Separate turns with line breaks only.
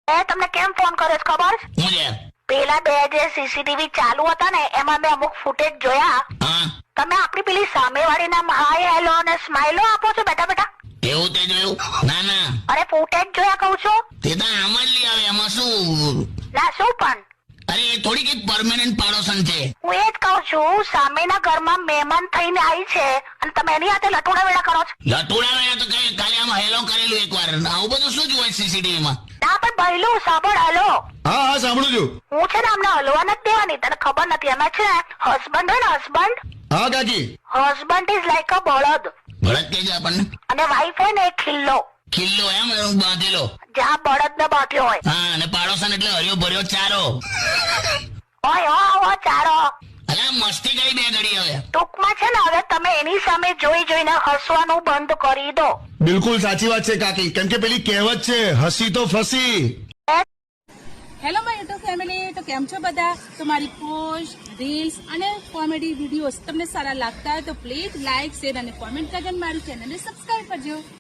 તમને કેમ ફોન કર્યો છે ખબર છે?
હું યાર
પેલા બે જે સીસીટીવી ચાલુ હતા ને એમાં મેં અમુક ફૂટેજ જોયા.
હા
તમે આપણી પેલી સામેવાળી નામ હાય હેલો અને સ્માઈલો આપો છો બેટા બેટા.
એવું તે જોયું? ના ના
અરે ફૂટેજ જોયા કહું છું.
તે તો આમ જ લઈ આવે એમાં શું?
ના શું પણ
અરે એ થોડી કઈ પરમેનન્ટ પાડોશન છે.
હું એ જ કહું છું સામેના ઘરમાં મહેમાન થઈને આવી છે અને તમે એની હાથે લટોડા વેડા કરો છો.
લટુડા વેળા તો કઈ કાલે આમ હેલો કરેલું એકવાર. આવું બધું શું જોવાય સીસીટીવી માં?
ના પણ ભઈલું સાંભળ હલો.
હા હા સાંભળું છું.
હું છે ને અમને હલવા નથી દેવાની તને ખબર નથી એમાં છે હસબન્ડ હોય ને હસબન્ડ
હા કાકી.
હસબન્ડ ઇઝ લાઈક અ બળદ
ભરત કે છે આપણને
અને વાઈફ હોય ને એ ખિલ્લો
ખિલ્લો એમ બાંધેલો.
જ્યાં બળદ ને બાંધ્યો હોય.
હા અને પાડોશન એટલે હર્યો ભર્યો ચારો.
ઓય હો ચારો.
અલા મસ્તી કરી બે ઘડી હવે.
ટૂંકમાં છે ને હવે તમે એની સામે જોઈ જોઈને હસવાનું બંધ કરી દો.
બિલકુલ સાચી વાત છે કાકી, કેમ કે પેલી કહેવત છે હસી તો ફસી.
હેલો માય યુટ્યુબ ફેમિલી, તો કેમ છો બધા? તો મારી પોસ્ટ રીલ્સ અને કોમેડી વિડીયોઝ તમને સારા લાગતા હોય તો પ્લીઝ લાઇક શેર અને કોમેન્ટ કરીને મારી ચેનલને સબસ્ક્રાઇબ કરજો.